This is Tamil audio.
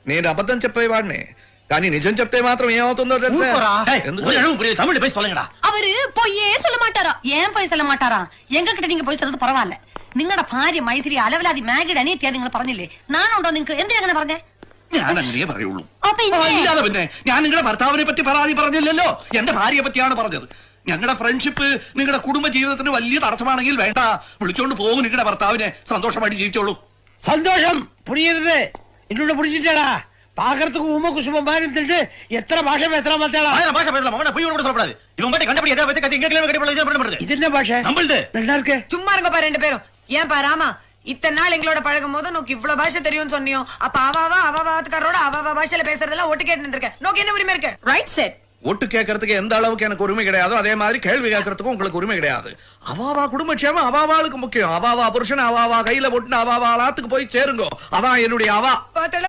నేను అబద్ధం చెప్పేవాడిని, కానీ నిజం చెప్తే మాత్రం ఏమవుతుందో తెలుసా? அவரு பொய்யே சொல்ல மாட்டாரா? ஏன் போய் சொல்ல மாட்டாரா? எங்க கிட்ட நீங்க போய் சொல்றது பரவாயில்ல. നിങ്ങളുടെ ഭാര്യ മൈഥിലി അലവലാതി മാഗിഡ് അനിയത്തിയാ നിങ്ങൾ പറഞ്ഞില്ലേ? നാണുണ്ടോ നിങ്ങൾക്ക്? എന്തിനാ അങ്ങനെ പറഞ്ഞേ? ഞാൻ അങ്ങനെ പറയുള്ളൂ. ഇല്ലാതെ പിന്നെ ഞാൻ നിങ്ങളുടെ ഭർത്താവിനെ പറ്റി പരാതി പറഞ്ഞില്ലല്ലോ, എന്റെ ഭാര്യയെ പറ്റിയാണ് പറഞ്ഞത്. ഞങ്ങളുടെ ഫ്രണ്ട്ഷിപ്പ് നിങ്ങളുടെ കുടുംബ ജീവിതത്തിന് വലിയ തടസ്സമാണെങ്കിൽ വേണ്ട, വിളിച്ചോണ്ട് പോകും നിങ്ങളുടെ ഭർത്താവിനെ, സന്തോഷമായിട്ട് ജീവിച്ചോളൂ. சந்தோஷம் புரியுது. இன்னொன்னு புரிஞ்சுட்டா பாக்குறதுக்கு உம குசுமம் மாதிரி இருந்துட்டு எத்தனை பாஷை பேசுறா மாத்தாளா? பாஷை பேசலாம் அவன போய் கூட சொல்லக்கூடாது. இவன் மட்டும் கண்டுபிடி எதை பத்தி கத்தி இங்க கிளம்ப கட்டி இது என்ன பாஷை? நம்மளுது நல்லா இருக்கு. சும்மா இருங்கப்பா ரெண்டு பேரும். ஏன்பா ராமா, இத்தனை நாள் எங்களோட பழகும் போது நோக்கு இவ்வளவு பாஷை தெரியும்னு சொன்னியோ, அப்ப அவாத்துக்காரோட அவ பாஷையில பேசுறதெல்லாம் ஒட்டு கேட்டு இருந்திருக்கேன். நோக்கு என்ன உரிமை இருக்கு? Right set. ஒட்டு கேட்கறதுக்கு எந்த அளவுக்கு எனக்கு உரிமை கிடையாதோ அதே மாதிரி கேள்வி கேட்கறதுக்கும் உங்களுக்கு உரிமை கிடையாது. அவாவா குடும்பக்ஷேமம் அவாவாளுக்கு முக்கியம். அவாவா புருஷன் அவாவா கையில போட்டு அவாவா ஆத்துக்கு போய் சேருங்க. அதான் என்னுடைய அவா.